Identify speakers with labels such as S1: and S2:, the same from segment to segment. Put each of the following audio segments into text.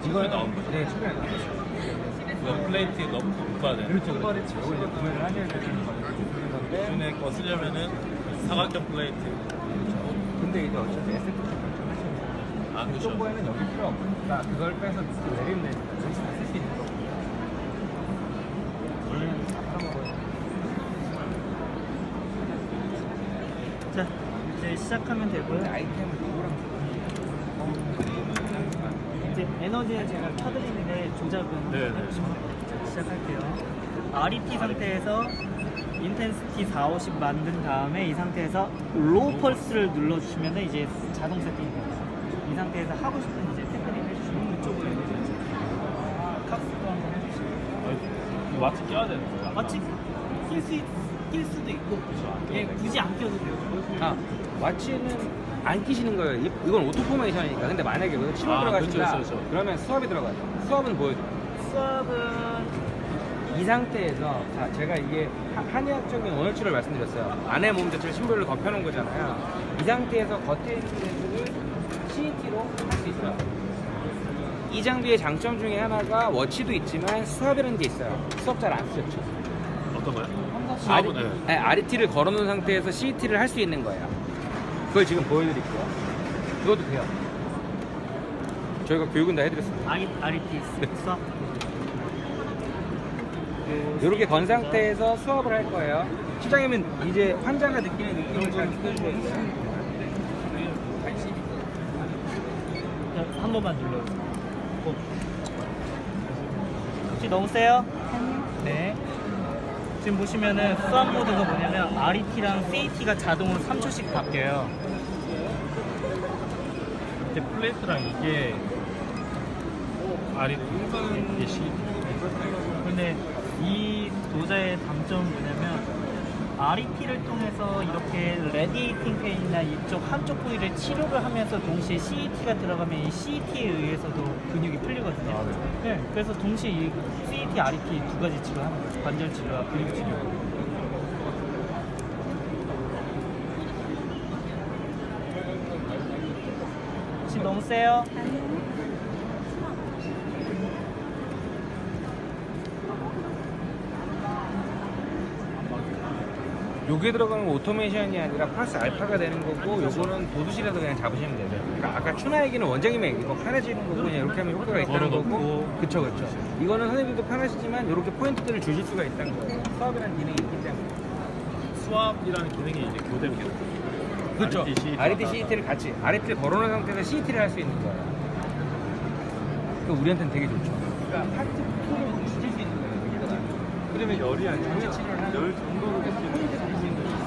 S1: 이거에 나온 거죠?
S2: 네, 최근에 나온 거죠.
S1: 플레이트에 너무 높아야
S2: 그렇죠. 이거 이제 구매를 하셔야 되는 건데.
S1: 기존에 거 쓰려면은 사각형 플레이트.
S2: 근데 이제 어차피 에스테틱 결정하시면
S1: 아, 그렇죠.
S2: 이쪽 거에는 여기 필요 없으니까 그걸 빼서 내리면 여기 다 쓸 수 있는 거고. 원래는 다 팔아먹어요.
S3: 자, 이제 시작하면 되고요.
S2: 아이템을 누구랑
S3: 이제 에너지는 제가 켜드리는데 조작은
S1: 네네.
S3: 해주시면 됩니다. 시작할게요. RET 상태에서 인텐시티 4, 50 만든 다음에 이 상태에서 로우 펄스를 눌러주시면 이제 자동 세팅이 됩니다. 이 상태에서 하고 싶은 이제 테크닉 해주시면 그쪽으로 에너지 칵스도 한번 해주시고
S1: 이거 마치 껴야 되는 거야.
S3: 마치 낄 수도 있고 예, 굳이 안 껴도 돼요.
S2: 아, 와치는 안 끼시는 거예요. 이건 오토 포메이션이니까. 근데 만약에 여기서 치료
S1: 아,
S2: 들어가신다.
S1: 그렇죠.
S2: 그러면 수압이 들어가요. 수압은 보여줘요.
S3: 수압은
S2: 이 상태에서 자, 제가 이게 한의학적인 원활치를 말씀드렸어요. 안에 몸 자체를 심볼로 덮여놓은 거잖아요. 이 상태에서 겉에 있는 데를 CET로 할 수 있어요. 이 장비의 장점 중에 하나가 워치도 있지만 수압이라는 게 있어요. 수압 잘 안 쓰죠.
S1: 어떤 거요? 수압은 네.
S2: RET를 걸어놓은 상태에서 CET를 할 수 있는 거예요. 그걸 지금 보여드릴게요. 이것도 돼요. 저희가 교육은 다 해드렸습니다.
S3: RET 수압
S2: 이렇게 건 상태에서 수업을 할 거예요. 시장님은 이제 환자가 느끼는 느낌을 잘 느껴줘야 돼요.
S3: 한 번만 눌러주세요. 혹시 너무 세요? 네. 지금 보시면은 수압 모드가 뭐냐면 RET랑 CET가 자동으로 3초씩 바뀌어요.
S1: 이게 플레이트랑 이게 이게 시.
S3: 근데 이 도자의 단점은 뭐냐면 RET를 통해서 이렇게 레디에이팅 페인이나 이쪽 한쪽 부위를 치료를 하면서 동시에 CET가 들어가면 이 CET에 의해서도 근육이 풀리거든요.
S1: 아, 네.
S3: 네, 그래서 동시에 이 CET, RET 두 가지 치료하는 거예요. 관절 치료와 근육 치료. 혹시 너무 세요?
S2: 여기에 들어가는 건 오토메이션이 아니라 플러스 알파가 되는 거고, 요거는 도두실에서 그냥 잡으시면 되죠. 그러니까 아까 추나 얘기는 원장님의 얘기고, 편해지는 거고, 그냥 이렇게 하면 효과가 있다는 거고. 그쵸. 이거는 선생님도 편하시지만 이렇게 포인트들을 주실 수가 있다는 거예요. 수압이라는 기능이 있기 때문에.
S1: 수압이라는 기능이 이제 교대로
S2: 그렇죠.
S1: RET,
S2: RET, CET를 같이 RET를 걸어놓은 상태에서 CET를 할 수 있는 거예요. 그 우리한테는 되게 좋죠. 그러니까 하트 풀을 줄일 수 있는 거예요. 여기다가. 그러면 열이 안 나면 열 정도로 포인트를 줄수 있는 거예요.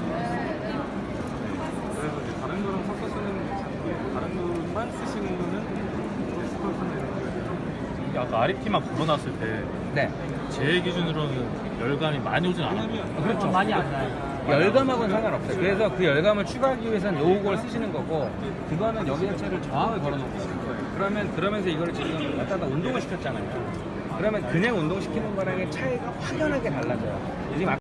S4: 그래서 이제 다른 거랑 섞어 쓰는 다른 거만 쓰시는 거는 스컬 되는 거예요.
S1: 아까 RET만 걸어놨을 때
S2: 네.
S1: 제 기준으로는 열감이 많이 오진 않아요.
S2: 그렇죠.
S3: 많이 안 나요.
S2: 열감하고는 상관없어요. 그래서 그 열감을 추가하기 위해서는 요걸 쓰시는 거고, 그거는 여기 자체를 저항을 걸어놓은 거예요. 그러면서 이거를 지금 갖다 운동을 시켰잖아요. 그러면 그냥 운동시키는 거랑의 차이가 확연하게 달라져요. 지금